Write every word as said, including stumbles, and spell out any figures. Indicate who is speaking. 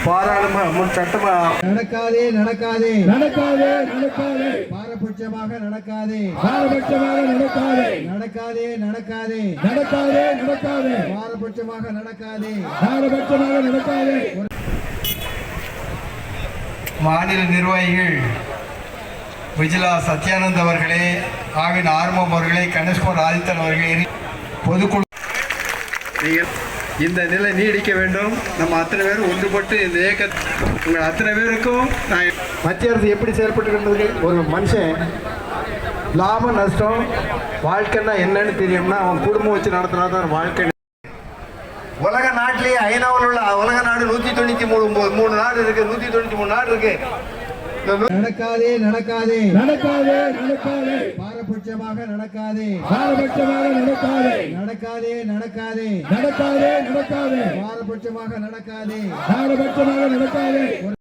Speaker 1: பாராளுமன்ற சட்டமா
Speaker 2: நடக்காதே நடக்காதே
Speaker 3: நடக்காதே நடக்காதே
Speaker 2: பாரபட்சமாக நடக்காதே
Speaker 3: பாரபட்சமாக நடக்காதே
Speaker 2: நடக்காதே நடக்காதே
Speaker 3: நடக்காதே நடக்காதே
Speaker 2: பாரபட்சமாக நடக்காதே
Speaker 3: பாரபட்சமாக நடக்காதே.
Speaker 1: மாநில நிர்வாகிகள் விஜிலா சத்யானந்த் அவர்களே, ஆவின் ஆர்வம் அவர்களே, கணேஷ்குமார் ஆதித்தன் அவர்களே, பொதுக்குழு இந்த நிலை நீடிக்க வேண்டும். நம்ம அத்தனை பேரும் ஒன்றுபட்டு இந்த இயக்க உங்கள் அத்தனை பேருக்கும் நான் மத்திய அரசு எப்படி செயல்பட்டு ஒரு மனுஷன் லாபம் நஷ்டம் வாழ்க்கைன்னா என்னன்னு தெரியும்னா அவன் குடும்பம் வச்சு நடத்தினா தான் வாழ்க்கை. உலக நாட்டிலேயே ஐநாவில் உள்ள உலக நாடு நூற்றி தொண்ணூற்றி மூணு மூணு நாடு இருக்கு, நூற்றி தொண்ணூற்றி மூணு நாடு இருக்கு.
Speaker 2: நடக்காதே நடக்காதே
Speaker 3: நடக்காதே நடக்காதே
Speaker 2: பாரபட்சமாக நடக்காதே
Speaker 3: பாரபட்சமாக நடக்காதே
Speaker 2: நடக்காதே நடக்காதே
Speaker 3: நடக்காதே நடக்காதே
Speaker 2: பாரபட்சமாக நடக்காதே
Speaker 3: பாரபட்சமாக நடக்காதே.